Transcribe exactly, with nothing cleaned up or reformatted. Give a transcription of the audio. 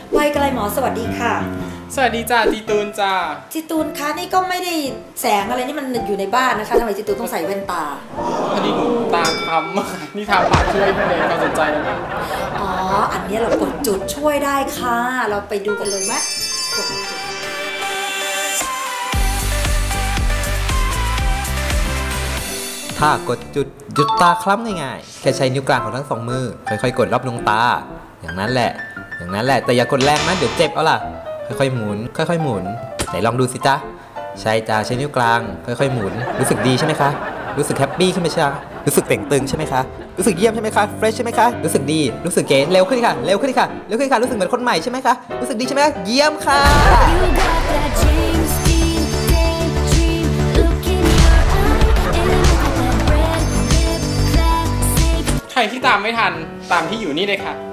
วัยไกลหมอสวัสดีค่ะสวัสดีจ้าจีตูนจ้าจีตูนคะนี่ก็ไม่ได้แสงอะไรนี่มันอยู่ในบ้านนะคะทำไมจีตูนต้องใส่แว่นตาพอดีหนูตาคล้ำนี่ทาปากช่วยให้เลยความสนใจนะอ๋ออันนี้เรากดจุดช่วยได้ค่ะเราไปดูกันเลยไหมถ้ากดจุดหยุดตาคล้ำง่ายๆแค่ใช้นิ้วกลางของทั้งสองมือค่อยๆกดรอบดวงตาอย่างนั้นแหละอย่างนั้นแหละแต่อย่ากดแรงนะเดี๋ยวเจ็บเอาล่ะค่อยๆหมุนค่อยๆหมุนไหนลองดูสิจ๊ะใช่จ้าใช้นิ้วกลางค่อยๆหมุนรู้สึกดีใช่ไหมคะรู้สึกแฮปปี้ขึ้นไหมจ๊ะรู้สึกเต่งตึงใช่ไหมคะรู้สึกเยี่ยมใช่ไหมคะเฟรชใช่ไหมคะรู้สึกดีรู้สึกเก๋เร็วขึ้นค่ะเร็วขึ้นค่ะเร็วขึ้นค่ะรู้สึกเหมือนคนใหม่ใช่ไหมคะรู้สึกดีใช่ไหมเยี่ยมค่ะใครที่ตามไม่ทันตามที่อยู่นี่เลยค่ะ